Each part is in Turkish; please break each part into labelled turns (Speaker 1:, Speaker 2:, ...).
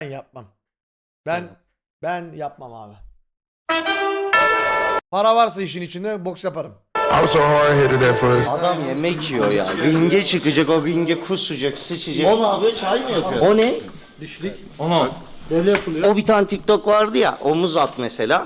Speaker 1: Ben yapmam. Ben yapmam abi. Para varsa işin içinde boks yaparım.
Speaker 2: I'm so hard headed at first.
Speaker 3: Adam yemek yiyor ya. Ringe çıkacak, o ringe kusacak, sıçacak. O ne yapıyor? Çay mı yapıyor? O ne?
Speaker 4: Düşlük. Ona. Böyle yapılıyor.
Speaker 3: O bir tane TikTok vardı ya, omuz at mesela.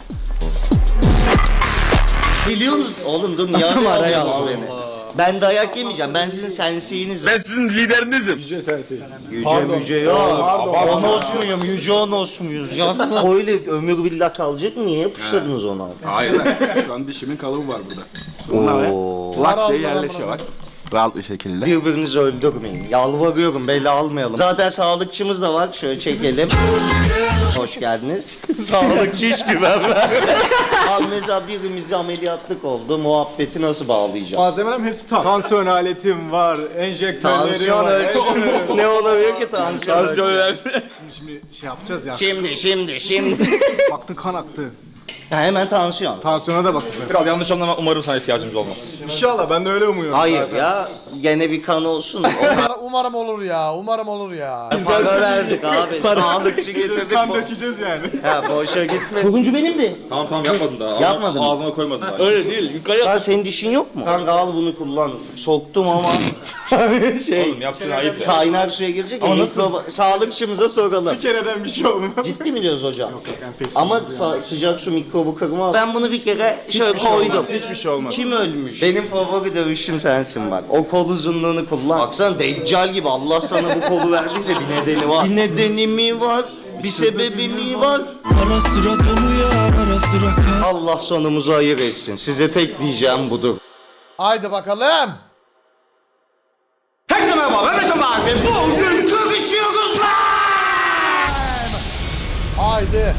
Speaker 3: Biliyor musun? Oğlum dur niye arıyorsunuz beni? Ben dayak yemeyeceğim. Ben sizin senseyinizim.
Speaker 2: Ben sizin liderinizim.
Speaker 3: Yüce müce yok. Onos muyum? Yüce onos muyuz? Canım. Öyle ömür billah kalacak mı? Niye yapıştırdınız onu abi?
Speaker 5: Hayır. Şu an dişimin kalıbı var burada.
Speaker 3: Oo.
Speaker 5: Lak diye yerleşiyor bak. Rahat bir şekilde.
Speaker 3: Birbirinizi öldürmeyin. Yalvarıyorum, bela almayalım. Zaten sağlıkçımız da var. Şöyle çekelim. Hoş geldiniz. Sağlıkçı hiç güvenmem. Abi mesela birimizi ameliyatlık oldu. Muhabbeti nasıl bağlayacağım?
Speaker 4: Malzemelerim hepsi tam. Tansiyon aletim var, enjektörlerim
Speaker 3: Tansiyon
Speaker 4: var.
Speaker 3: ölçü. Ne olabilir ki tansiyon ölçü?
Speaker 4: Şimdi şey yapacağız ya.
Speaker 3: Şimdi.
Speaker 4: Baktın kan aktı.
Speaker 3: Ha, hemen tansiyon.
Speaker 4: Tansiyona da bakacağız.
Speaker 5: Biraz yanlış anlama, umarım sana ihtiyacımız olmaz.
Speaker 4: İnşallah ben de öyle umuyorum.
Speaker 3: Hayır ya. Gene bir kan olsun.
Speaker 1: Umarım olur ya. Umarım olur ya.
Speaker 3: Para verdik abi. Sağlıkçı getirdik.
Speaker 4: Kan dökeceğiz yani.
Speaker 3: Ha boşa gitme. Turuncu benim.
Speaker 5: Tamam yapmadın daha.
Speaker 3: Yapmadın mı?
Speaker 5: Ağzına koymadın daha.
Speaker 3: Öyle değil. Yukarı Lan senin dişin yok mu? Kanka al bunu kullan. Soktum ama şey.
Speaker 5: Oğlum yaptığın ayıp ya.
Speaker 3: Kaynar suya girecek ya. Sağlıkçımıza soralım.
Speaker 4: Bir kereden bir şey olmaz.
Speaker 3: Ciddi mi diyoruz hocam?
Speaker 4: Yok enfeksiyon.
Speaker 3: Ama sıcak su mikrobu kırma. Ben bunu bir kere şöyle koydum.
Speaker 4: Hiçbir şey olmaz.
Speaker 3: Kim ölmüş? Benim favori dövüşüm sensin bak. O kol uzunluğunu kullan. Baksana Deccal gibi Allah sana bu kolu verdiyse bir nedeni var. Bir nedeni mi var? Bir sebebi mi var?
Speaker 6: Ara sıra dolu ya, ara sıra kal.
Speaker 3: Allah sonumuzu hayır etsin. Size tek diyeceğim budur.
Speaker 1: Haydi bakalım.
Speaker 3: Herkese merhaba, ben Mesut abi. Bugün kırışıyoruz lan!
Speaker 1: Haydi.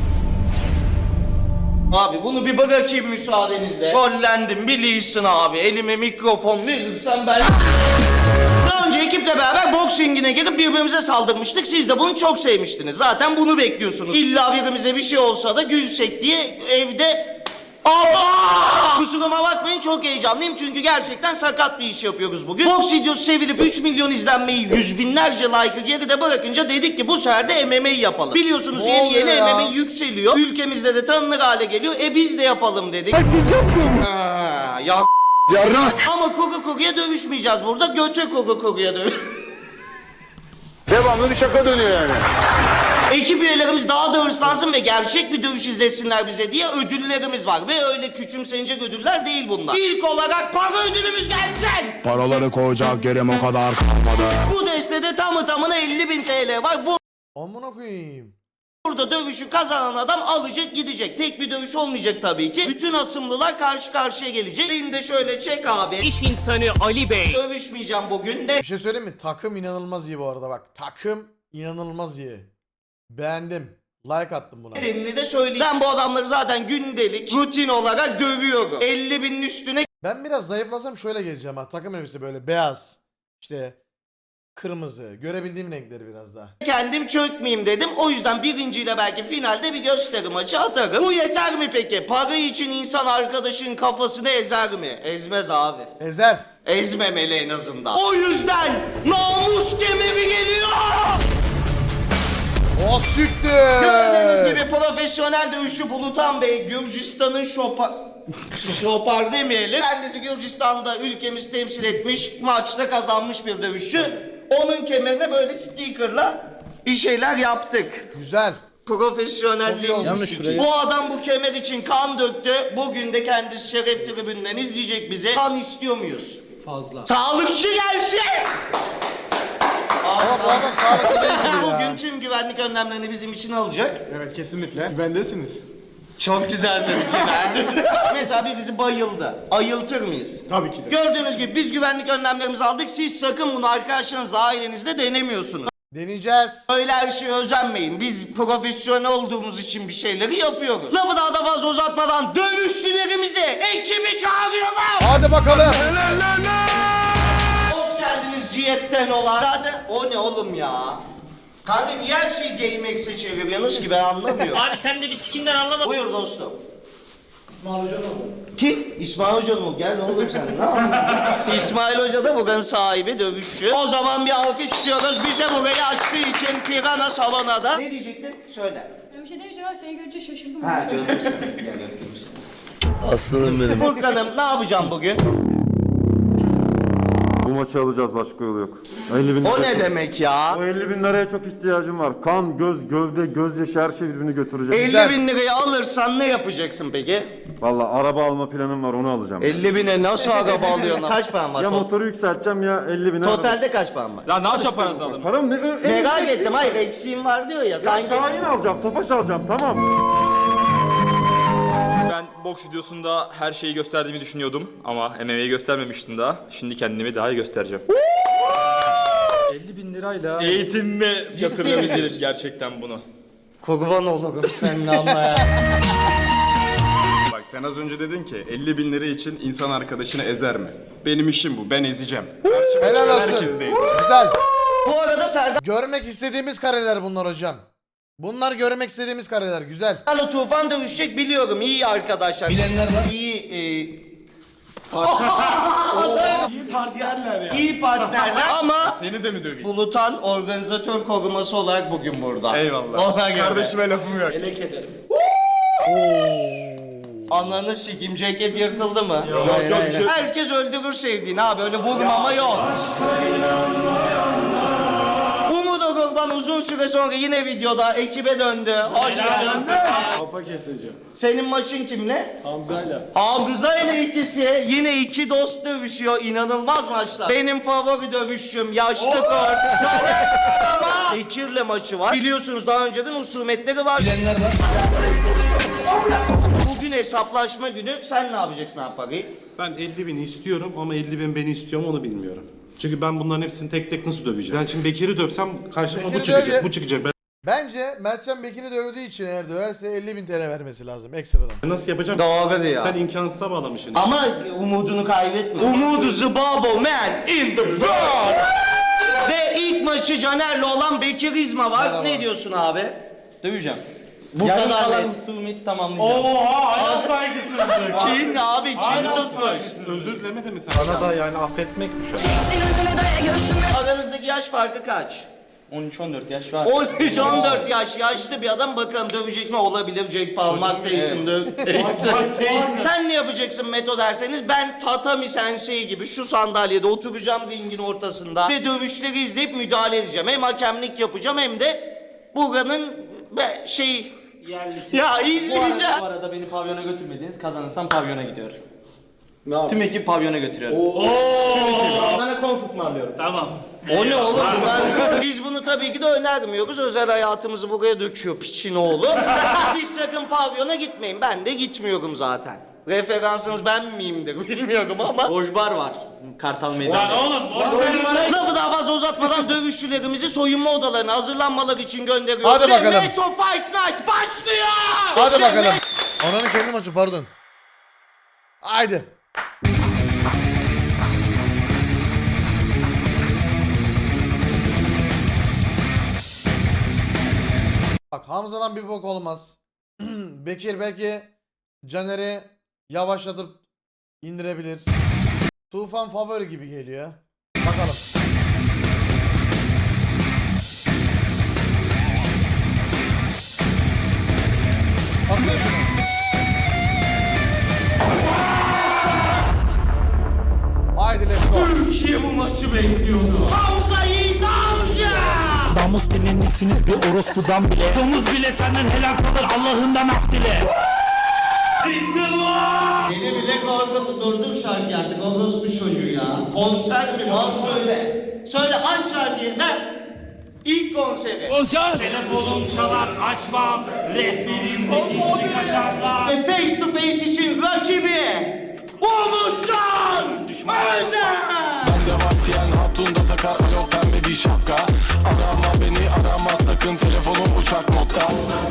Speaker 3: Abi bunu bir bırakayım müsaadenizle. Rollendim biliyorsun abi. Elime mikrofon verirsen ben... Daha önce ekiple beraber boksingine girip birbirimize saldırmıştık. Siz de bunu çok sevmiştiniz. Zaten bunu bekliyorsunuz. İlla birbirimize bir şey olsa da gülsek diye evde... Allah! Kusuruma bakmayın çok heyecanlıyım çünkü gerçekten sakat bir iş yapıyoruz bugün. Boks videosu sevilip 3 milyon izlenmeyi, yüz binlerce like'ı geride bırakınca dedik ki bu sefer de MMA yapalım. Biliyorsunuz
Speaker 1: Ne
Speaker 3: yeni
Speaker 1: oluyor
Speaker 3: yeni
Speaker 1: ya?
Speaker 3: MMA yükseliyor. Ülkemizde de tanınır hale geliyor. Biz de yapalım dedik.
Speaker 6: Herkes yapmıyor mu?
Speaker 3: Ya
Speaker 6: Yarrak.
Speaker 3: ama koku kokuya dövüşmeyeceğiz burada. Göçe koku kokuya
Speaker 2: Devamlı bir şaka dönüyor yani.
Speaker 3: Ekip üyelerimiz daha da hırslansın ve gerçek bir dövüş izlesinler bize diye ödüllerimiz var. Ve öyle küçümsenecek ödüller değil bunlar. İlk olarak para ödülümüz gelsin.
Speaker 6: Paraları koyacak yerim o kadar kalmadı.
Speaker 3: Bu destede tamına 50.000 TL var.
Speaker 1: Amına koyayım.
Speaker 3: Burada dövüşü kazanan adam alacak gidecek. Tek bir dövüş olmayacak tabii ki. Bütün asımlılar karşı karşıya gelecek. Beni de şöyle çek abi.
Speaker 7: İş insanı Ali Bey.
Speaker 3: Dövüşmeyeceğim bugün de.
Speaker 1: Bir şey söyleyeyim mi? Takım inanılmaz iyi bu arada bak. Takım inanılmaz iyi. Beğendim. Like attım buna.
Speaker 3: Nedenini de söyleyeyim. Ben bu adamları zaten gündelik rutin olarak dövüyorum. 50.000'in üstüne
Speaker 1: Ben biraz zayıflasam şöyle geleceğim ha. Takım elbise böyle beyaz. İşte kırmızı. Görebildiğim renkleri biraz daha.
Speaker 3: kendim çökmeyeyim dedim. O yüzden birinciyle belki finalde bir gösteri maçı atarım. Bu yeter mi peki? Para için insan arkadaşın kafasını ezer mi? Ezmez abi.
Speaker 1: Ezer.
Speaker 3: Ezmemeli en azından. O yüzden namus kemeri geliyor.
Speaker 1: O siktir.
Speaker 3: Gördüğünüz gibi profesyonel dövüşçü Bulutan Bey Gürcistan'ın şopar demeyelim. Kendisi Gürcistan'da ülkemizi temsil etmiş, maçta kazanmış bir dövüşçü. Onun kemerine böyle stickerla bir şeyler yaptık.
Speaker 1: Güzel.
Speaker 3: Profesyonelliğin
Speaker 1: Yanlış
Speaker 3: sikiyim. Bu adam bu kemer için kan döktü. Bugün de kendisi şeref tribünden izleyecek bize. Kan istiyor muyuz? Fazla. Sağlıkçı gelsin!
Speaker 1: Ama bu adam sağlıklı değil gibi ya.
Speaker 3: Bugün tüm güvenlik önlemlerini bizim için alacak.
Speaker 4: Evet kesinlikle. Güvendesiniz.
Speaker 3: Çok güzel söyledin güvenlik. Mesela birisi bayıldı. Ayıltır mıyız?
Speaker 4: Tabii ki de.
Speaker 3: Gördüğünüz gibi biz güvenlik önlemlerimizi aldık. Siz sakın bunu arkadaşlarınızla, ailenizle denemiyorsunuz.
Speaker 1: Deneyeceğiz.
Speaker 3: Öyle her şeye özenmeyin. Biz profesyonel olduğumuz için bir şeyleri yapıyoruz. Lafı daha da fazla uzatmadan dövüşçülerimizi, ekibi çağırıyorlar.
Speaker 1: Hadi bakalım.
Speaker 3: Hoş geldiniz Cihet'ten olan. Zaten o ne oğlum ya? Kanka niye her şeyi GameX'e çeviriyorsunuz ki ben anlamıyorum.
Speaker 7: Abi sen de bir sikinden anlamadın.
Speaker 3: Buyur dostum. Kim? İsmail Hoca mı? Gel oğlum sen. Ne yapıyorsun? İsmail Hoca da buranın sahibi, dövüşçü. O zaman bir alkış istiyoruz. Bize burayı açtığı için Pirana salona da. Ne diyecektin? Söyle.
Speaker 7: Bir şey demeyeceğim ama seni görünce şaşırdım.
Speaker 3: Ha canım sen. Gel öpeyim seni.
Speaker 2: Aslanım benim.
Speaker 3: Furkan'ım ne yapacağım bugün?
Speaker 8: Bu maçı alacağız, başka yolu yok. 50 bin
Speaker 3: O
Speaker 8: liraya
Speaker 3: ne
Speaker 8: çok-
Speaker 3: demek ya?
Speaker 8: O 50 bin liraya çok ihtiyacım var. Kan, göz, gövde, gözyaşı her şey birbirini götürecek.
Speaker 3: 50 bin lirayı alırsan ne yapacaksın peki?
Speaker 8: Valla araba alma planım var, onu alacağım.
Speaker 3: 50 bine nasıl araba alıyorsun? Kaç paran var?
Speaker 8: Ya motoru yükselteceğim ya 50 bine.
Speaker 3: Totalde kaç paran var?
Speaker 5: Ya ne yapacağım parasını aldım?
Speaker 8: Param ne?
Speaker 3: Merak ettim, hayır eksiğim var diyor ya. Sanki...
Speaker 8: Şahin alacağım, Tofaş alacağım, tamam.
Speaker 5: Ben boks videosunda her şeyi gösterdiğimi düşünüyordum ama MMA'yi göstermemiştim daha. Şimdi kendimi daha iyi göstereceğim. 50 bin lirayla eğitimime yatırılabilir gerçekten bunu.
Speaker 3: Kurban olurum seninle ama ya.
Speaker 4: Bak sen az önce dedin ki 50 bin lira için insan arkadaşını ezer mi? Benim işim bu, ben ezeceğim.
Speaker 1: Helal olsun.
Speaker 4: Herkes de ezecek.
Speaker 1: Güzel.
Speaker 3: Bu arada Serdar
Speaker 1: Görmek istediğimiz kareler bunlar hocam. Bunlar görmek istediğimiz kareler. Güzel.
Speaker 3: Tufan dövüşecek biliyorum. İyi arkadaşlar. Bilenler var. İyi partnerler ama
Speaker 4: Seni de mi döveyim?
Speaker 3: Bulutan organizatör koruması olarak bugün burada.
Speaker 4: Eyvallah.
Speaker 3: Ona göre.
Speaker 4: Kardeşime lafım yok.
Speaker 3: Ananı sikim, ceket yırtıldı mı?
Speaker 4: Yok,
Speaker 3: Herkes öldürür sevdiğini abi, öyle vurmama yok. Umut Okurban uzun süre sonra yine videoda ekibe döndü. Hoş geldin.
Speaker 4: Kafa keseceğim.
Speaker 3: Senin maçın kimle?
Speaker 4: Hamza'yla.
Speaker 3: Hamza ile ikisi yine iki dost dövüşüyor. İnanılmaz maçlar. Benim favori dövüşçüm yaşlı kort. Ama Bekir'le maçı var. Biliyorsunuz daha önceden husumetleri var. Bilenler var. Bugün hesaplaşma günü. Sen ne yapacaksın abi parayı?
Speaker 9: Ben 50 bin istiyorum ama 50 bin beni istiyor mu onu bilmiyorum. Çünkü ben bunların hepsini tek tek nasıl döveceğim? Ben şimdi Bekir'i dövsem karşıma
Speaker 1: Bekir'i
Speaker 9: bu çıkacak,
Speaker 1: dövce-
Speaker 9: bu çıkacak.
Speaker 1: Bence Mertcan Bekir'i dövdüğü için eğer döverse 50.000 TL vermesi lazım ekstradan.
Speaker 9: Ben nasıl yapacağım?
Speaker 3: Doğru diyor.
Speaker 9: Sen imkansıza bağlamışsın.
Speaker 3: Ama umudunu kaybetme. Umudu the bubble man in the world. Ve ilk maçı Caner'le olan Bekir İzma var.
Speaker 1: Merhaba.
Speaker 3: Ne diyorsun abi?
Speaker 5: Döveceğim.
Speaker 3: Bu kadar net.
Speaker 5: Husumeti tamamlayacağım.
Speaker 9: Hayat saygısızlık.
Speaker 3: Kin abi kim tutmuş?
Speaker 9: Özür dilemedin mi sen? Bana da yani affetmek düşer.
Speaker 3: Aranızdaki yaş farkı kaç?
Speaker 5: 13-14 yaş var.
Speaker 3: 13-14 yaş yaşlı bir adam, bakalım dövecek mi? Olabilir. Jack Paul, Mark Tyson döv. Sen ne yapacaksın Meto derseniz, ben Tatami Sensei gibi şu sandalyede oturacağım ringin ortasında ve dövüşleri izleyip müdahale edeceğim. Hem hakemlik yapacağım hem de buranın ya izleyeceğim.
Speaker 5: Bu arada beni pavyona götürmediniz. Kazanırsam pavyona gidiyor. Tüm ekip pavyona götürüyorum. Bana kons ısmarlıyorum.
Speaker 9: Tamam.
Speaker 3: O ne oğlum? Biz bunu tabii ki de önermiyoruz. Özel hayatımızı buraya döküyor piçin oğlu. Siz sakın pavyona gitmeyin. Ben de gitmiyorum zaten. Referansınız ben miyimdir bilmiyorum ama Ojbar var.
Speaker 5: Kartal meydanı.
Speaker 3: Lafı daha fazla uzatmadan dövüşçülerimizi soyunma odalarına hazırlanmaları için gönderiyoruz.
Speaker 1: Hadi bakalım.
Speaker 3: Ve Meto Fight Night başlıyor.
Speaker 1: Hadi bakalım. Ananın kendi maçı pardon. Haydi. Bak Hamza'dan bir bok olmaz. Bekir belki Caner'i yavaşlatıp indirebilir. Tufan favori gibi geliyor. Bakalım. Baksana şuna. Haydi let's go.
Speaker 3: Türkiye bu maçı bekliyordu. Hamza Yiğit Hamza.
Speaker 6: Namus dinlendiksiniz bir orospudan bile. Domuz bile senden helal kalır Allah'ından af dile.
Speaker 3: Beni bile korkutu, durdur şarkı artık, orospu çocuğu ya. Konser mi? Al söyle. Söyle, aç şarkıyı ben. İlk konseri.
Speaker 9: Telefonum çalar açmam. Rehberimde gizli kaşarlar.
Speaker 3: Ve face to face için rakibi Umutcan Özer.
Speaker 6: Devatiyen hatun da takar alo pembe bir şapka. Arama beni arama sakın telefonum uçak modda.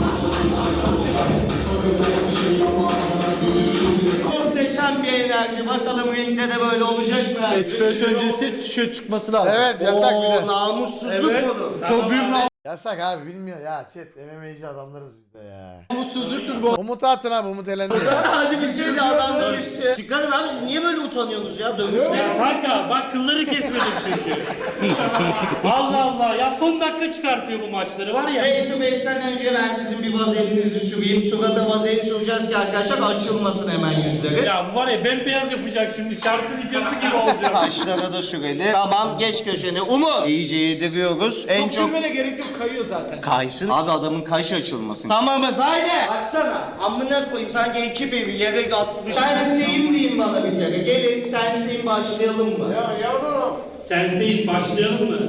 Speaker 3: Muhteşem bir enerji. Bakalım ringde de böyle olacak mı?
Speaker 5: Espresso öncesi tişört çıkması lazım.
Speaker 1: Evet yasak bir de.
Speaker 3: Namussuzluk bunu.
Speaker 5: Çok büyük
Speaker 1: Yasak abi bilmiyor ya chat MMA'ci adamlarız biz de ya. Umutsuzluktur bu. Umut'u atın abi Umut elendi ya.
Speaker 3: Hadi bir şey de adam dövüşçü. Çıkarın abi siz niye böyle utanıyorsunuz ya dövüşte?
Speaker 9: Kanka bak kılları kesmedim çünkü. Allah Allah ya son dakika çıkartıyor bu maçları var ya.
Speaker 3: Face to face'ten önce ben sizin bir vazelinizi süreyim. Surata vazelin süreceğiz ki arkadaşlar açılmasın hemen yüzleri.
Speaker 9: Ya bu var ya bembeyaz yapacak şimdi şarkı videosu gibi olacak.
Speaker 3: Kaşlara da sürelim. Tamam geç köşene. Umut. İyice yediriyoruz. En çok...
Speaker 7: Sürmene gerek yok kayıyor zaten.
Speaker 3: Kaysın. Abi adamın kaşı açılmasın. Tamamız haydi. Baksana. Amına koyayım sanki ekip evi yere atmış. Senseyim diyeyim bana bir kere. Gelin senseyim başlayalım mı?
Speaker 9: Sensei başlayalım mı?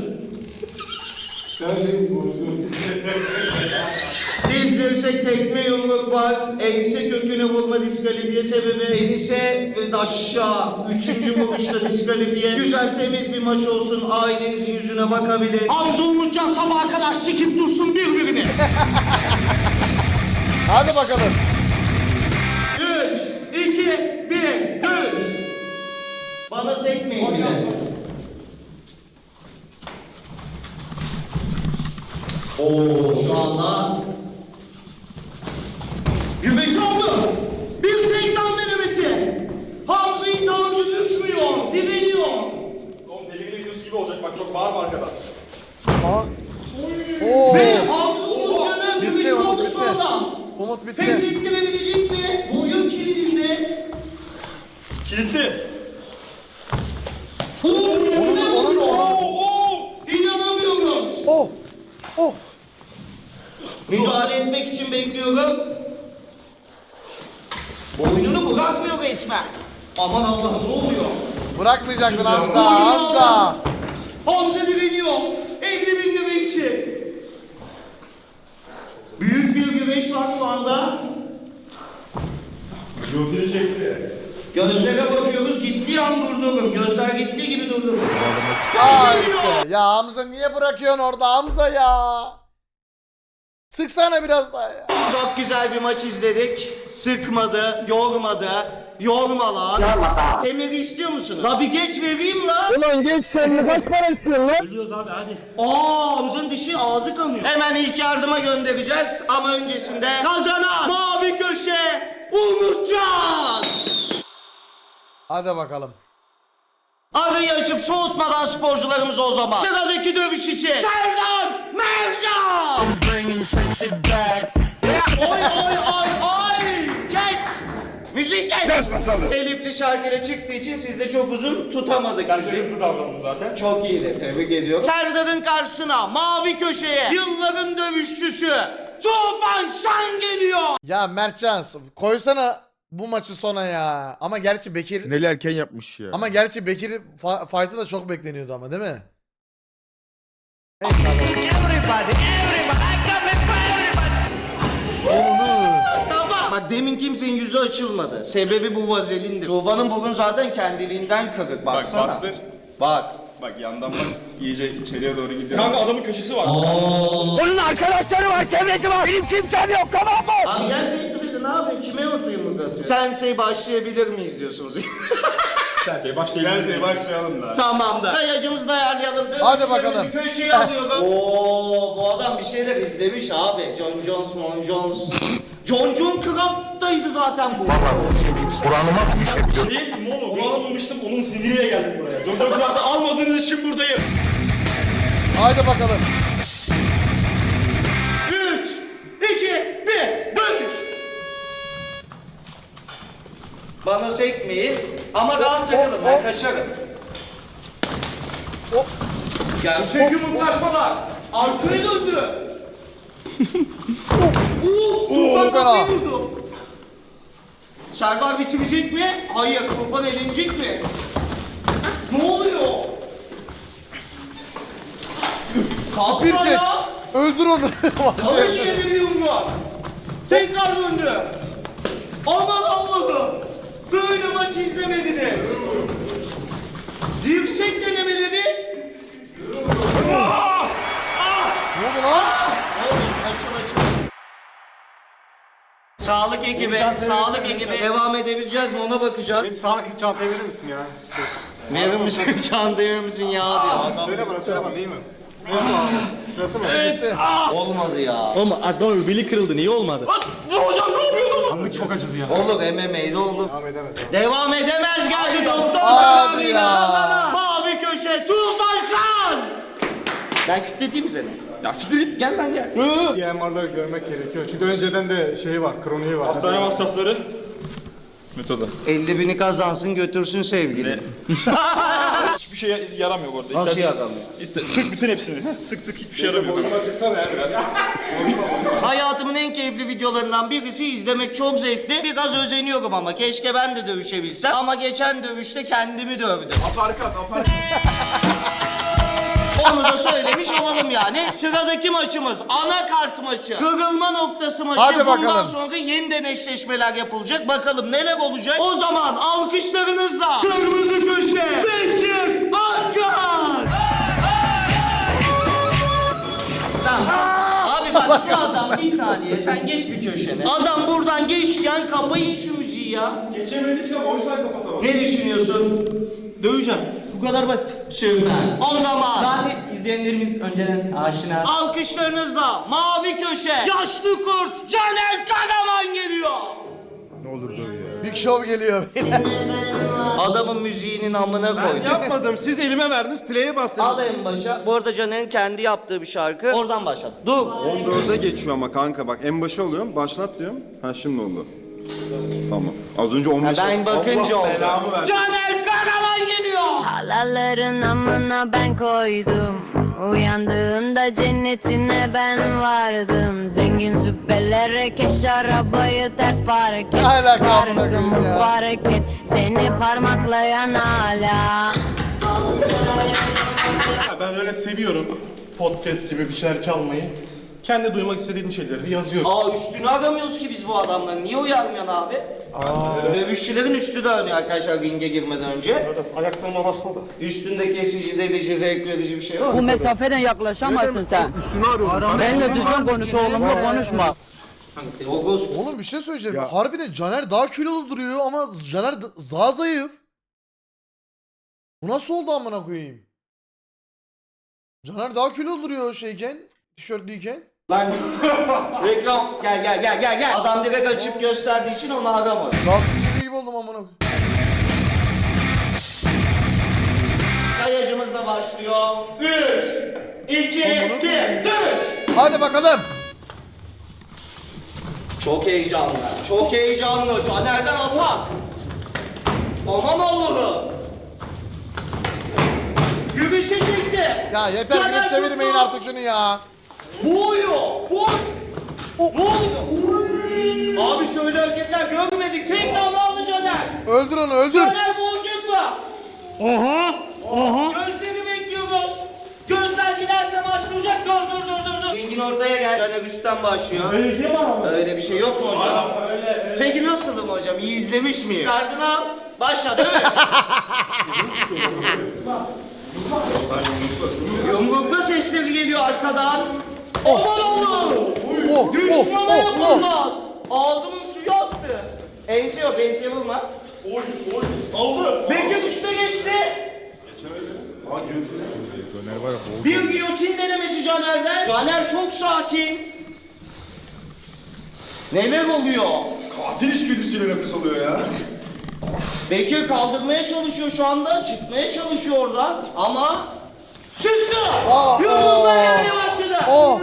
Speaker 3: Dizdirsek tekme yumruk var. Ense köküne vurma diskalifiye sebebi. Enise ve aşağı. 3. vuruşta diskalifiye. Güzel temiz bir maç olsun. Ailenizin yüzüne bakabilir. Hamza Umutcan sabaha kadar sikip dursun birbirini.
Speaker 1: Hadi bakalım.
Speaker 3: 3, 2, 1, 3. Bana sekmeyin bile. Oo şu anda gümeşi oldu. Bir takedown denemesi. Hamza iddiamcı düşmüyor, direniyor.
Speaker 5: Oğlum deli videosu gibi olacak bak çok bağırma arkadan.
Speaker 1: Aa. Oo.
Speaker 3: Ve Hamza Umutcan'ın
Speaker 1: Bitti,
Speaker 3: gümeşi
Speaker 1: Umut
Speaker 3: oldu
Speaker 1: bitti.
Speaker 3: şu anda.
Speaker 1: Umut
Speaker 3: Pes
Speaker 1: bitti.
Speaker 3: ettirebilecek mi? Boyun kilidinde.
Speaker 5: Kilitli.
Speaker 1: Onun
Speaker 3: İnanamıyoruz.
Speaker 1: Oh. Oh.
Speaker 3: Müdahale etmek için bekliyorum. Boynunu bırakmıyor resmen. Aman Allah'ım ne oluyor?
Speaker 1: Bırakmayacaktın Hamza. Hamza.
Speaker 3: Hamza direniyor. 50.000 lira için. Büyük bir güreş var şu anda. Gözlere bakıyoruz. Gittiği an durdurum. Gözler gittiği gibi durdurum.
Speaker 1: Aa işte. Ya Hamza niye bırakıyorsun orada Hamza ya? Sıksana biraz daha ya.
Speaker 3: Çok güzel bir maç izledik. Sıkmadı, yormadı. Yormalar. Emiri istiyor musunuz? La bir geç vereyim la.
Speaker 2: Ulan geç sen kaç para istiyorsun lan?
Speaker 9: Ölüyoruz abi hadi.
Speaker 3: Hamza'nın dişi ağzı kanıyor. Hemen ilk yardıma göndereceğiz ama öncesinde kazanan mavi köşe Umutcan.
Speaker 1: Hadi bakalım.
Speaker 3: Arayı açıp soğutmadan sporcularımız o zaman. Sıradaki dövüş için Serdar Mercan. Oy oy oy oy. Kes. Müzik kes. Elifli şarkıyla çıktığı için siz de çok uzun tutamadık
Speaker 5: Ben
Speaker 3: müziği.
Speaker 5: de hızlı davrandım zaten.
Speaker 3: Çok iyiydi. Tebrik ediyorum. Serdar'ın karşısına mavi köşeye yılların dövüşçüsü Tufan Şan geliyor.
Speaker 1: Ya Mertcan koysana bu maçı sona ya. Ama gerçi Bekir
Speaker 2: Neli erken yapmış ya.
Speaker 1: ama gerçi Bekir'in fight'ı da çok bekleniyordu ama değil mi? Neyse Onu.
Speaker 3: Tamam. Bak demin kimsenin yüzü açılmadı. Sebebi bu vazelindi. Tufan'ın burun zaten kendiliğinden kırık. Baksana.
Speaker 4: Bak bastır.
Speaker 3: Bak.
Speaker 4: Bak yandan bak iyice içeriye doğru gidiyor.
Speaker 5: Kanka adamın köşesi var.
Speaker 2: Onun arkadaşları var, çevresi var. Benim kimsem yok, tamam mı?
Speaker 3: Abi gel face to face ne yapıyorsun? Kime ortaya yumruk atıyorsun? Sensei başlayabilir miyiz diyorsunuz?
Speaker 5: Sensei başlayalım.
Speaker 4: Sensei başlayalım da.
Speaker 3: Tamam da. Sayacımızı da ayarlayalım.
Speaker 1: Hadi bakalım.
Speaker 3: Köşeye alıyoruz. Oo, bu adam bir şeyler izlemiş abi. John Jones, Mon Jones. John Craft'taydı zaten bu.
Speaker 5: Değil mi oğlum? Onu alamamıştım onun siniriyle geldim buraya. John Craft'ı almadığınız için buradayım.
Speaker 1: Haydi bakalım.
Speaker 3: 3, 2, 1, dönüş. Bana sekmeyin ama rahat takalım ben kaçarım.
Speaker 1: Hop.
Speaker 3: Gerçek yumruklaşmalar. Arkaya döndü. Tufan
Speaker 1: fena.
Speaker 3: kafayı vurdu. Serdar bitirecek mi? Hayır. Tufan elenecek mi? Ne oluyor?
Speaker 1: Spir
Speaker 3: Kalkma
Speaker 1: çek.
Speaker 3: ya.
Speaker 1: Öldür onu.
Speaker 3: Alıcı yedi bir yumruk. Tekrar döndü. Aman Allah'ım. Böyle maç izlemediniz. Yüksek denemeleri.
Speaker 1: Ne oldu lan?
Speaker 3: Açıl. Sağlık ekibi devam edebileceğiz mi ona bakacağız.
Speaker 4: Benim sağlık çantayı verir misin ya?
Speaker 3: Verir misin çantayı verir misin ya diyor adam.
Speaker 4: Söyle bana iyi mi? Şurası mı?
Speaker 3: Olmadı ya.
Speaker 9: Oğlum adam öbeli kırıldı niye olmadı?
Speaker 5: Hocam ne yapıyordun?
Speaker 4: Anlık çok acıdı ya.
Speaker 3: Olur MMA'de olur. Devam edemez geldi doktor.
Speaker 1: Hadi ya.
Speaker 3: Ramazan'a. Mavi köşe Tufan Şan. Ben kütleteyim mi seni?
Speaker 5: Ya siktir git.
Speaker 3: Gel lan gel.
Speaker 4: EMR'ları görmek gerekiyor. Çünkü önceden de şeyi var, kroniği var.
Speaker 5: Hastane masrafları. Metodu.
Speaker 3: 50.000'i kazansın götürsün sevgili.
Speaker 5: Hiçbir şey yaramıyor bu arada.
Speaker 3: Nasıl yaramıyor?
Speaker 5: Sık bütün hepsini. Sık hiçbir şey yaramıyor.
Speaker 4: Boyuma çıksana ya biraz.
Speaker 3: Hayatımın en keyifli videolarından birisi, izlemek çok zevkli. Biraz özeniyorum ama keşke ben de dövüşebilsem. Ama geçen dövüşte kendimi dövdüm.
Speaker 4: Aparkat.
Speaker 3: Onu da söylemiş olalım yani. Sıradaki maçımız anakart maçı. Kırılma noktası maçı.
Speaker 1: Hadi
Speaker 3: Bundan
Speaker 1: bakalım.
Speaker 3: sonra yeniden eşleşmeler yapılacak. Bakalım neler olacak. O zaman alkışlarınızla kırmızı köşe Bekir Akkar. Tamam. Abi bak şu adam bir saniye sen geç bir köşene. Adam buradan geçken kapayın şu müziği ya.
Speaker 4: Geçemedik ama o yüzden kapatamam.
Speaker 3: Ne düşünüyorsun?
Speaker 9: Döveceğim. Bu kadar basit.
Speaker 3: Süper. O zaman
Speaker 2: Zaten izleyenlerimiz önceden aşina.
Speaker 3: alkışlarınızla mavi köşe yaşlı kurt Caner Karaman geliyor.
Speaker 1: Big Show geliyor.
Speaker 3: Adamın müziğinin amına koydum.
Speaker 9: Yapmadım. Siz elime verdiniz. Play'e bastınız.
Speaker 3: Al en başa. Bu arada Caner'in kendi yaptığı bir şarkı. Oradan başlat. Dur.
Speaker 8: 14'e geçiyor ama kanka bak en başa alıyorum. Başlat diyorum. Ha şimdi oldu. Tamam. Az önce 15'e.
Speaker 3: Ben bakınca oldu.
Speaker 4: belamı versin.
Speaker 3: Caner Karaman geliyor.
Speaker 10: Halaların amına ben koydum. Uyandığında cennetine ben vardım. Zengin züppelere keş arabayı ters park et.
Speaker 1: Ne alaka amına koyayım
Speaker 10: Farkımı
Speaker 1: ya?
Speaker 10: fark et. Seni parmaklayan hala.
Speaker 9: Ben öyle seviyorum. Podcast gibi bir şeyler çalmayı. Kendi duymak istediğim şeyleri yazıyorum.
Speaker 3: Aa üstünü aramıyoruz ki biz bu adamların. Niye uyarmıyorsun abi? Dövüşçülerin üstü de önüyor arkadaşlar ringe girmeden önce.
Speaker 9: Ayaklarıma basmadı.
Speaker 3: Üstünde kesici, delici, zevk verici bir şey var
Speaker 2: Bu
Speaker 3: mı?
Speaker 2: mesafeden yaklaşamazsın sen.
Speaker 8: Üstünü arıyorum.
Speaker 2: Benimle düzgün konuş oğlumla konuşma.
Speaker 3: Logos.
Speaker 1: Oğlum bir şey söyleyeceğim. Harbiden Caner daha kilolu duruyor ama Caner daha zayıf. Bu nasıl oldu amına koyayım? Caner daha kilolu duruyor şeyken, tişörtlüyken.
Speaker 3: Lan reklam. Gel. Adam direkt açıp gösterdiği için onu aramaz.
Speaker 1: Daha fizikli gibi oldum amına koyayım.
Speaker 3: Sayacımız da başlıyor. 3, 2, 1, düş!
Speaker 1: Hadi bakalım.
Speaker 3: Çok heyecanlı. Çok heyecanlı. Caner'den atak. Aman Allah'ım. Gümüşe çekti.
Speaker 1: Ya yeter
Speaker 3: Caner
Speaker 1: gidip çevirmeyin
Speaker 3: tuttu.
Speaker 1: artık şunu ya.
Speaker 3: Boğuyor. Ne oluyor? Abi şöyle hareketler görmedik. Tek damla aldı Caner.
Speaker 1: Öldür onu öldür.
Speaker 3: Caner boğacak mı? Oha. Gözleri bekliyoruz. Gözler giderse başlayacak. Dur. Engin ortaya gel. Caner üstten başlıyor. Öyle bir şey yok mu hocam? Peki nasılım hocam? İyi izlemiş miyim? Kardını al. Başla değil mi? Yumrukta sesleri geliyor arkadan. Aman Allah'ım. Düşmana yapılmaz. Ağzımın suyu aktı. Ense yok, enseye vurma. Aldı. Bekir üstüne geçti. Bir giyotin denemesi Caner'den. Caner çok sakin. Neler oluyor?
Speaker 4: Katil içgüdüsüyle nefes alıyor ya.
Speaker 3: Bekir kaldırmaya çalışıyor şu anda. Çıkmaya çalışıyor oradan. Ama çıktı. Yumruklar gelmeye başladı.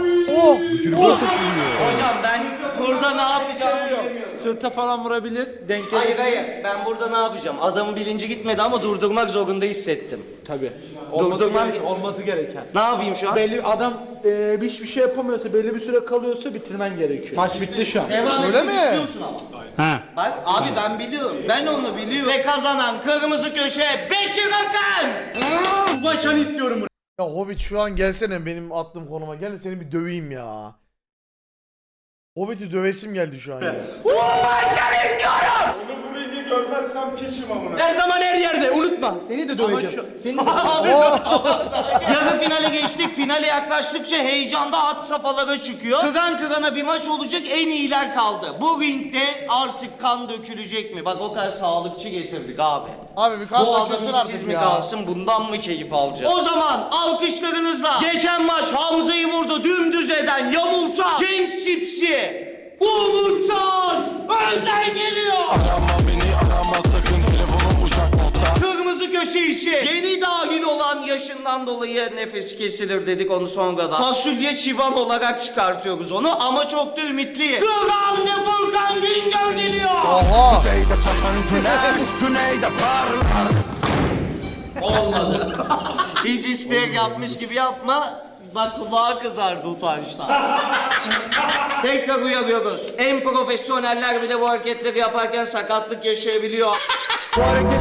Speaker 3: Hocam ben burada ne yapacağımı bilemiyorum.
Speaker 7: Sırta falan vurabilir. Denk
Speaker 3: Hayır. Ben burada ne yapacağım? Adamın bilinci gitmedi ama durdurmak zorunda hissettim.
Speaker 7: Tabii. Olması gereken.
Speaker 3: Ne yapayım şu an?
Speaker 7: Belli adam hiçbir şey yapamıyorsa, belli bir süre kalıyorsa bitirmen gerekiyor. Maç bitti şu an.
Speaker 3: Devam
Speaker 1: Öyle
Speaker 3: etmek
Speaker 1: mi?
Speaker 3: istiyor musun ama? Bak abi ben biliyorum. Ben onu biliyorum. Ve kazanan kırmızı köşe Bekir Akar. Bu maçanı istiyorum.
Speaker 1: Ya Hobbit şu an gelsene benim attığım konuma. Gel seni bir döveyim ya. Hobbit'i dövesim geldi şu an ya.
Speaker 4: görmezsem piçim amına.
Speaker 3: Her zaman her yerde unutma. Seni de döveceğim. Seni de Yarı finale geçtik. Finale yaklaştıkça heyecanda had safhalara çıkıyor. Kıran kırana bir maç olacak, en iyiler kaldı. Bu ringde artık kan dökülecek mi? Bak o kadar sağlıkçı getirdik abi.
Speaker 1: Abi bir kan
Speaker 3: Bu adam
Speaker 1: dökülsün
Speaker 3: işsiz
Speaker 1: artık
Speaker 3: mi
Speaker 1: ya.
Speaker 3: kalsın, bundan mı keyif alacağız? O zaman alkışlarınızla geçen maç Hamza'yı vurdu, dümdüz eden, yamultan, genç sipsi Umutcan Özden geliyor.
Speaker 6: Arama beni arama sakın telefonum uçak modda.
Speaker 3: Kırmızı köşe için yeni dahil olan yaşından dolayı nefes kesilir dedik onu sonradan. Fasulye çivan olarak çıkartıyoruz onu ama çok da ümitliyiz. Kıran ve Furkan Güngör geliyor.
Speaker 1: Oha.
Speaker 6: Kuzeyde çatan güneş, güneyde parlar.
Speaker 3: Olmadı. Hiç isteyerek yapmış gibi yapma. Bak kulağı kızardı utançtan. Tekrar uyarıyoruz. En profesyoneller bile bu hareketleri yaparken sakatlık yaşayabiliyor.
Speaker 1: Söz.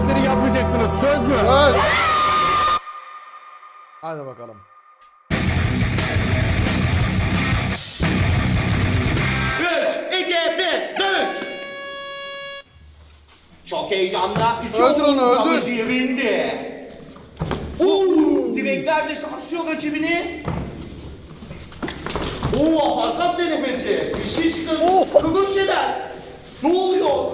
Speaker 1: Hadi bakalım.
Speaker 3: 3, 2, 1, dövüş! Çok heyecanlı.
Speaker 1: Öldür onu, öldür.
Speaker 3: Kalıcı indi. Direklerle sarsıyor rakibini. Hakikat denemesi. Bir şey çıkarıyor. Kıvırç eder. Ne oluyor?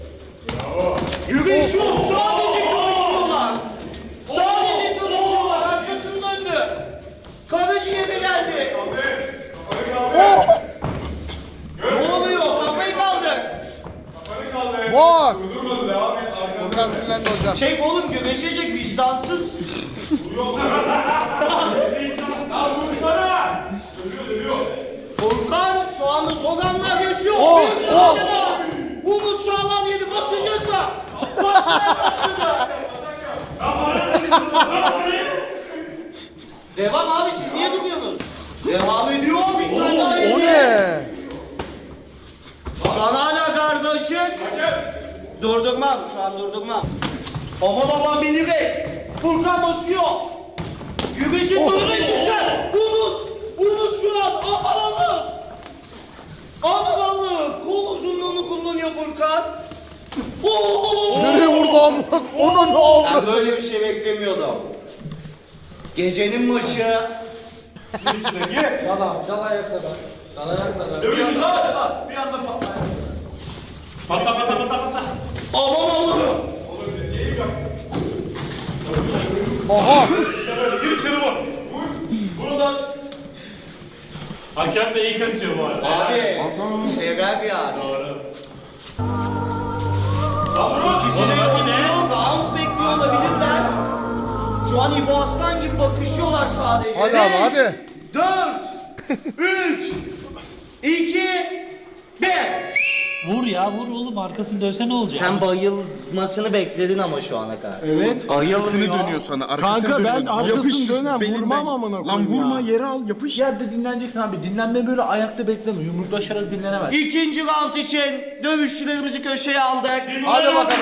Speaker 3: Güreş yok. Sadece güreşiyorlar. Sadece güreşiyorlar. Arkasını döndü. Karaciğere geldi. Ne oluyor? Kafayı kaldır.
Speaker 1: Bak. Furkan sinirlendi hocam.
Speaker 3: Şey oğlum güreşecek vicdansız. Furkan şu anda soğanlar yaşıyor. Umut sağlam yedi basacak mı? Basmaya başladı. Devam abi siz niye duruyorsunuz? Devam ediyor bir tane daha
Speaker 1: O
Speaker 3: yedi.
Speaker 1: ne?
Speaker 3: Şu an hala gardı açık. Durdurmam şu an durdurmam. Aman aman bir direk. Furkan basıyor. Gübeşi durdurmayı düşer. Umut şu an aman Allah'ım. Aman Allah'ım. Kol uzunluğunu kullanıyor Furkan.
Speaker 1: Nereye vurdu amına? Ona ne oldu?
Speaker 3: Ben böyle bir şey beklemiyordum. Gecenin maçı. Aman Allah'ım.
Speaker 1: Oha.
Speaker 9: Gir içeri vur. Buradan. Hakem de iyi kaçıyor bu arada.
Speaker 3: Abi. Sever yani. İkisi de yoruluyor. Round bekliyor olabilirler. Şu an İbo Aslan gibi bakışıyorlar sadece.
Speaker 1: Hadi abi, hadi.
Speaker 3: 4 3 2 1.
Speaker 2: Vur ya vur oğlum arkasını dönse ne olacak?
Speaker 3: Sen bayılmasını bekledin ama şu ana kadar.
Speaker 4: Evet.
Speaker 3: Bayılmıyor.
Speaker 4: dönüyor sana. Arkasını dönüyor. Yapış dönem vurmam amına koyayım. Lan vurma yere al yapış.
Speaker 7: Yerde dinleneceksin abi. Dinlenme böyle ayakta bekleme. Yumruklaşarak dinlenemez.
Speaker 3: İkinci round için dövüşçülerimizi köşeye aldık.
Speaker 1: Hadi bakalım.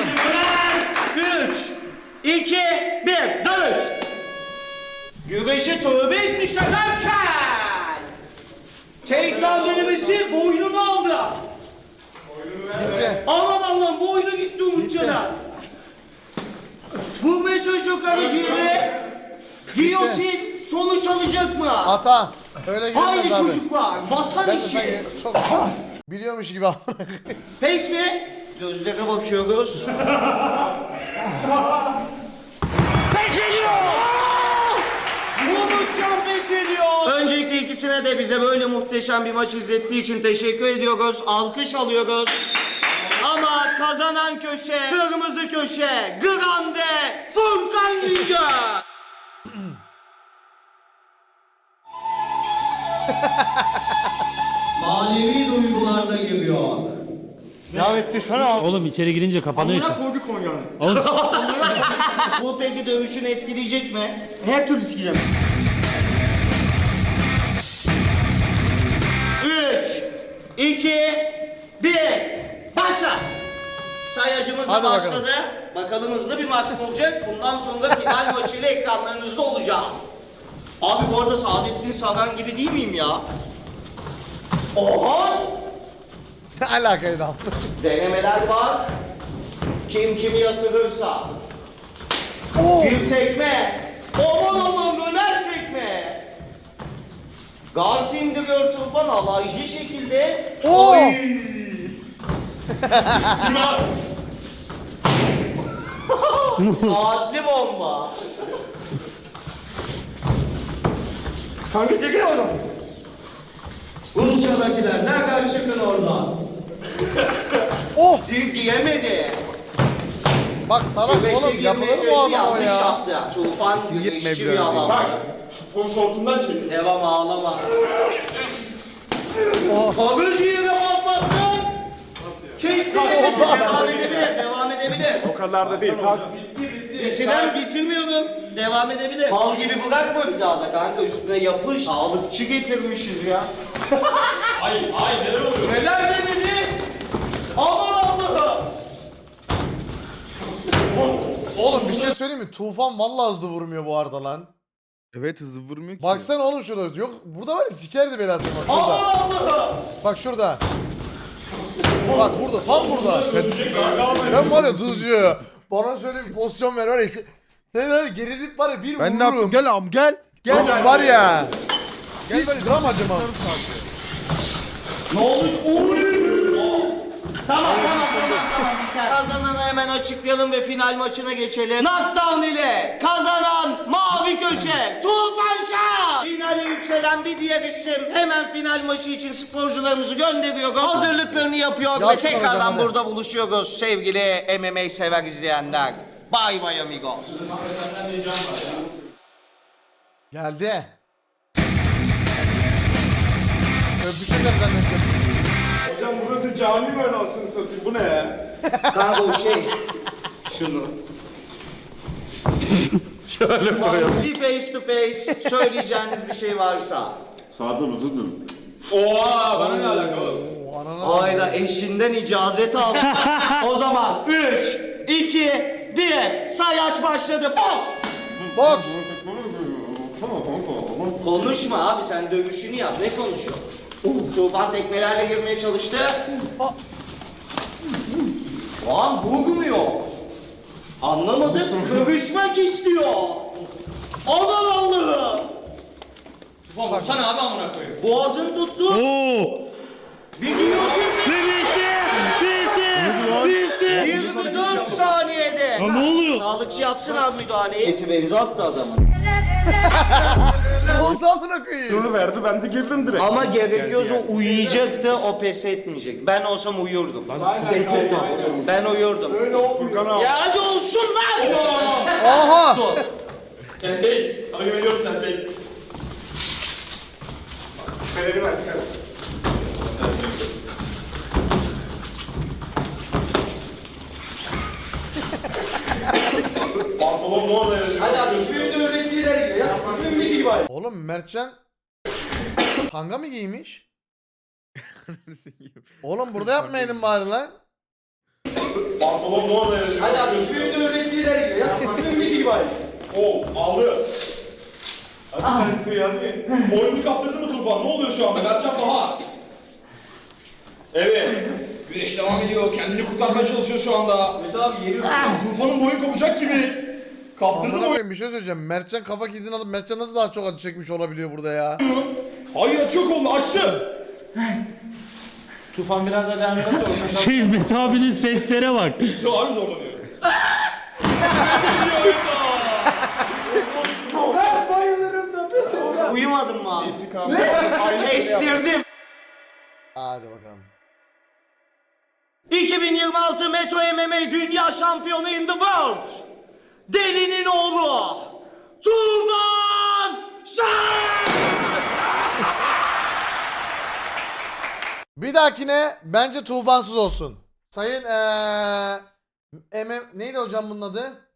Speaker 3: 3 2 1 dövüş. Güreşe tövbe etmiş ederken. Takedown denemesi boynunu aldı.
Speaker 1: Gitti.
Speaker 3: Aman Allah'ım boynu gitti Umutcan'a. Vurmaya çalışıyor karaciğeri. Giyotin sonuç alacak mı?
Speaker 1: Hata. Öyle
Speaker 3: Haydi
Speaker 1: girmez abi.
Speaker 3: çocuklar vatan
Speaker 1: Ben de
Speaker 3: işi.
Speaker 1: sanki çok biliyormuş gibi amına.
Speaker 3: Pes mi? Gözlere bakıyoruz. Pes ediyor! Umutcan pes ediyor. Öncelikle ikisine de bize böyle muhteşem bir maç izlettiği için teşekkür ediyoruz. Alkış alıyoruz. Ama kazanan köşe, kırmızı köşe, Grande Furkan Güngör. Manevi duygularda giriyor.
Speaker 2: Oğlum içeri girince kapanıyor.
Speaker 3: Bu peki dövüşünü etkileyecek mi?
Speaker 7: Her türlü sikeceğim.
Speaker 3: 3 2 1 Başla! Sayacımız da
Speaker 1: Hadi
Speaker 3: başladı. Bakalım hızlı bir maç olacak. Bundan sonra final maçıyla ekranlarınızda olacağız. Abi bu arada Saadettin Saran gibi değil miyim ya? Oha!
Speaker 1: Ne alakaydı amına?
Speaker 3: Denemeler var. Kim kimi yatırırsa.
Speaker 1: Oo.
Speaker 3: Bir tekme. Aman aman döner tekme. Guard indiriyor Tufan alaycı şekilde.
Speaker 1: Oo.
Speaker 3: Oy. Saatli bomba. Kanka geliyor oğlum. Rusya'dakiler nereden çıktın oradan?
Speaker 1: Oh.
Speaker 3: Giyemedi.
Speaker 1: Bak sana
Speaker 3: Güveçe
Speaker 1: oğlum
Speaker 3: girmeye
Speaker 1: yapılır mı o
Speaker 3: çalıştı,
Speaker 1: adam o
Speaker 3: yanlış
Speaker 1: ya?
Speaker 3: yaptı. Tufan güveççi bir adam.
Speaker 5: Şortundan çek.
Speaker 3: Devam ağlama. Bagajı yine patlattın. Kestin elini. Devam edebilir, devam edebilir.
Speaker 4: O kadar da değil. Kalk.
Speaker 3: Bitirmiyorum. Devam edebilir. Mal gibi bırakma bir daha da kanka üstüne yapış. Sağlıkçı getirmişiz ya.
Speaker 5: Ay neler oluyor?
Speaker 3: Neler demedi? Aman Allah'ım.
Speaker 1: Oğlum bir şey söyleyeyim mi? Tufan vallahi hızlı vurmuyor bu arada lan.
Speaker 2: Evet hızlı vurmuyor ki.
Speaker 1: Baksana oğlum şurada. Yok burada var ya sikerdi belasını bak
Speaker 3: Aman
Speaker 1: şurada.
Speaker 3: Allah'ım.
Speaker 1: Bak şurada. Bak burada tam burada. Sen var ya tuzcu. Bana şöyle bir pozisyon ver var ya. Sen var ya gerilip var ya bir
Speaker 2: Ben ne yaptım?
Speaker 1: vururum.
Speaker 2: Gel am gel. Gel.
Speaker 1: Oğlum var ya. Hiç gram acımam.
Speaker 3: Ne olmuş? Tamam. Kazananı hemen açıklayalım ve final maçına geçelim. Knockdown ile kazanan mavi köşe Tufan Şah. Finale yükselen bir diğer isim. Hemen final maçı için sporcularımızı gönderiyoruz. Hazırlıklarını yapıyor ve
Speaker 1: Yapsın
Speaker 3: tekrardan
Speaker 1: hocam, hadi.
Speaker 3: burada buluşuyoruz sevgili MMA sever izleyenler. Bye bye amigos.
Speaker 1: Geldi. Öpüşürler zannettim.
Speaker 4: Hocam burası cami mi anasını satayım? Bu ne ya?
Speaker 3: Kanka o şey.
Speaker 4: Şunu.
Speaker 3: Bir face to face söyleyeceğiniz bir şey varsa.
Speaker 8: Sağda mı tutun?
Speaker 5: Oha bana ne alakalı?
Speaker 1: Oo, anana.
Speaker 3: Ayda eşinden icazet aldı. O zaman 3, 2, 1 sayaç başladı. Pop!
Speaker 1: Bak.
Speaker 3: Konuşma abi sen dövüşünü yap. Ne konuşuyor? Tufan tekmelerle girmeye çalıştı. Şu an vurmuyor. Anlamadık. Dövüşmek istiyor. Aman Allah'ım.
Speaker 5: Tufan vursana abi amına koyayım.
Speaker 3: Boğazını tuttu. Bir giyiyorsun. 24 saniyede. Ne oluyor? Sağlıkçı yapsın abi müdahaleyi. Eti benzi attı adamın.
Speaker 1: Oldu amına koyayım.
Speaker 4: Şunu verdi ben de girdim direkt.
Speaker 3: Ama gerekiyorsa uyuyacaktı, o pes etmeyecek. Ben olsam uyurdum. Ben uyurdum.
Speaker 4: Furkan abi.
Speaker 3: Ya hadi olsun lan!
Speaker 1: Aha.
Speaker 5: Sensei. Sana güveniyorum Sensei.
Speaker 4: Fener'i ver.
Speaker 5: Pantolon ne orada yazıyor? Hadi abi üstümüzü öğrettiler gibi ya. Üstümüzdeki gibi abi.
Speaker 1: Oğlum Mertcan tanga mı giymiş? Oğlum burada yapmaydın bari lan.
Speaker 5: Pantolon ne orada yazıyor? Hadi abi üstümüzü öğrettiler gibi ya. Üstümüzdeki gibi abi. Oo aldı. Hadi Sensei hadi. Boynunu kaptırdı mı Tufan? Ne oluyor şu anda? Mertcan Baha. Evet. Güneş devam ediyor. Kendini kurtarmaya çalışıyor şu anda. Evet abi yeri Tufan'ın boyu kopacak gibi. Kaptırdı
Speaker 1: Amına
Speaker 5: mı?
Speaker 1: koyayım bir şey söyleyeceğim. Mertcan kafa kilidini alıp Mertcan nasıl daha çok acı çekmiş olabiliyor burada ya?
Speaker 5: Hayır açıyor kolunu açtı.
Speaker 7: Tufan biraz da devam ederse
Speaker 2: Mehmet abinin seslere bak.
Speaker 5: Çok abi zorlanıyor.
Speaker 3: Uyumadın mı abi? Kestirdim.
Speaker 1: Hadi bakalım.
Speaker 3: 2026 Metro MMA Dünya Şampiyonu in the world. Delinin oğlu. Tufan Şah!
Speaker 1: Bir dahakine bence tufansız olsun. Sayın neydi hocam bunun adı?